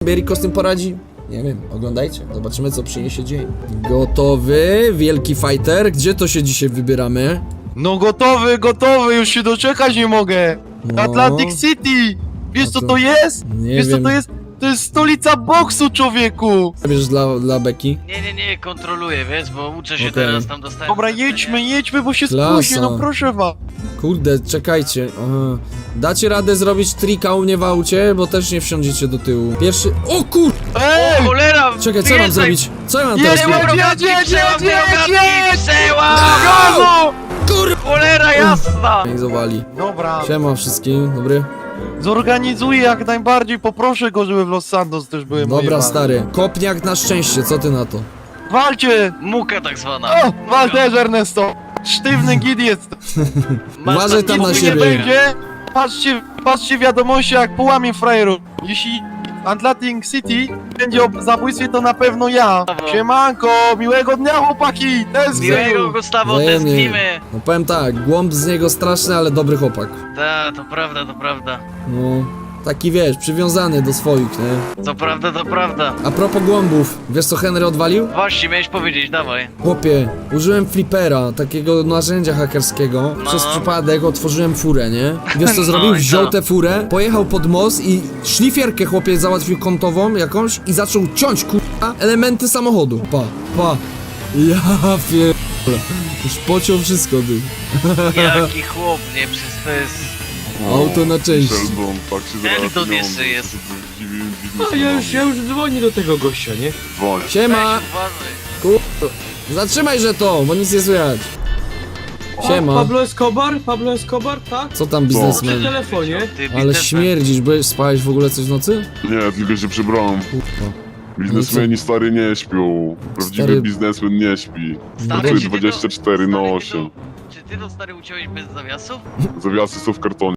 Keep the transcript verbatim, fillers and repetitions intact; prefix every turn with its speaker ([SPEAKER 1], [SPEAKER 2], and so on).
[SPEAKER 1] sobie Rico z tym poradzi? Nie wiem, oglądajcie, zobaczymy co przyniesie dzień. Gotowy, wielki fighter, gdzie to się dzisiaj wybieramy?
[SPEAKER 2] No gotowy, gotowy, już się doczekać nie mogę.
[SPEAKER 1] No.
[SPEAKER 2] Atlantic City! Wiesz co to jest?
[SPEAKER 1] Nie
[SPEAKER 2] Wiesz co
[SPEAKER 1] wiem.
[SPEAKER 2] to jest? To jest stolica boksu, człowieku!
[SPEAKER 1] Bierzesz dla, dla Beki?
[SPEAKER 3] Nie, nie, nie, kontroluję, wiesz, bo uczę się
[SPEAKER 1] Okej.
[SPEAKER 3] teraz, tam dostałem...
[SPEAKER 2] Dobra,
[SPEAKER 3] zlecenie.
[SPEAKER 2] jedźmy, jedźmy, bo się
[SPEAKER 1] Klasa.
[SPEAKER 2] spóźnię, no proszę was.
[SPEAKER 1] Kurde, czekajcie. Aha. Dacie radę zrobić trika u mnie w aucie, bo też nie wsiądziecie do tyłu. Pierwszy... O kur...
[SPEAKER 3] O
[SPEAKER 2] Ej!
[SPEAKER 3] cholera!
[SPEAKER 1] Czekaj, co mam
[SPEAKER 3] wyjeżdżaj!
[SPEAKER 1] zrobić? Co ja mam
[SPEAKER 2] Jedź,
[SPEAKER 1] teraz
[SPEAKER 2] jedź,
[SPEAKER 1] zrobić?
[SPEAKER 2] jedź, jedź,
[SPEAKER 3] Przełam,
[SPEAKER 2] jedź,
[SPEAKER 3] drogatki,
[SPEAKER 2] jedź!
[SPEAKER 3] przełam!
[SPEAKER 2] Gazu!
[SPEAKER 1] Kur...
[SPEAKER 3] Cholera jasna!
[SPEAKER 1] I zawali.
[SPEAKER 2] Dobra,
[SPEAKER 1] Siema wszystkim, dobry?
[SPEAKER 2] zorganizuję jak najbardziej, poproszę go, żeby w Los Santos też były moje
[SPEAKER 1] Dobra,
[SPEAKER 2] wady.
[SPEAKER 1] stary. Kopniak na szczęście, co ty na to?
[SPEAKER 2] Walcie!
[SPEAKER 3] Muka tak zwana.
[SPEAKER 2] O, wal też, Ernesto! Sztywny gid jest!
[SPEAKER 3] Masz
[SPEAKER 1] Uważaj tam na
[SPEAKER 2] Nic mi
[SPEAKER 1] siebie.
[SPEAKER 2] nie będzie. Patrzcie, patrzcie wiadomości jak połamie frajeru. Jeśli Atlantic City będzie o zabójstwie, to na pewno ja. Siemanko, miłego dnia chłopaki!
[SPEAKER 3] Miłego,
[SPEAKER 2] Tęsknię!
[SPEAKER 3] Gustavo,
[SPEAKER 1] Wzajemnie.
[SPEAKER 3] tęsknimy!
[SPEAKER 1] No powiem tak, głąb z niego straszny, ale dobry chłopak.
[SPEAKER 3] Ta, to prawda, to prawda.
[SPEAKER 1] No, taki wiesz, przywiązany do swoich, nie?
[SPEAKER 3] To prawda, to prawda.
[SPEAKER 1] A propos głąbów, wiesz co Henry odwalił?
[SPEAKER 3] Właśnie, miałeś powiedzieć, dawaj.
[SPEAKER 1] Chłopie, użyłem flipera, takiego narzędzia hakerskiego.
[SPEAKER 3] No.
[SPEAKER 1] Przez przypadek otworzyłem furę, nie? Wiesz co zrobił?
[SPEAKER 3] No i
[SPEAKER 1] Wziął
[SPEAKER 3] co?
[SPEAKER 1] tę furę, pojechał pod most i szlifierkę chłopie załatwił kątową jakąś i zaczął ciąć kurwa elementy samochodu. Pa, pa. Ja pierdolę. Już pociął wszystko, ty.
[SPEAKER 3] Jaki chłop, nie? Przecież to jest...
[SPEAKER 1] Auto na części.
[SPEAKER 4] Sheldon, tak się zaraz
[SPEAKER 3] Eldon
[SPEAKER 4] pieniądze,
[SPEAKER 3] jeszcze jest.
[SPEAKER 4] to jest dziwi-
[SPEAKER 5] No,
[SPEAKER 4] biznes
[SPEAKER 5] ja już, ja już dzwonię do tego gościa, nie?
[SPEAKER 4] Dzwoń.
[SPEAKER 1] Siema!
[SPEAKER 3] Weź, uważaj.
[SPEAKER 1] Kurwa. Zatrzymaj, że to, bo nic nie słychać.
[SPEAKER 5] O,
[SPEAKER 1] Siema.
[SPEAKER 5] Pablo Escobar? Pablo Escobar, tak?
[SPEAKER 1] Co tam
[SPEAKER 5] Przy
[SPEAKER 1] biznesmen?
[SPEAKER 5] telefonie.
[SPEAKER 3] Ty,
[SPEAKER 1] Ale
[SPEAKER 3] biznesmen.
[SPEAKER 1] śmierdzisz, byłeś, spałeś w ogóle coś w nocy?
[SPEAKER 4] Nie, tylko się przebrałem.
[SPEAKER 1] Kurwa.
[SPEAKER 4] Biznesmeni stary nie śpią. Prawdziwy
[SPEAKER 1] Stary-
[SPEAKER 4] biznesmen nie śpi.
[SPEAKER 3] Stary,
[SPEAKER 4] Pracuje
[SPEAKER 3] czy ty to-
[SPEAKER 4] dwadzieścia cztery na
[SPEAKER 3] stary, ty
[SPEAKER 4] osiem.
[SPEAKER 3] to- Czy ty to stary uciąłeś bez zawiasów?
[SPEAKER 4] Zawiasy są w kartonie.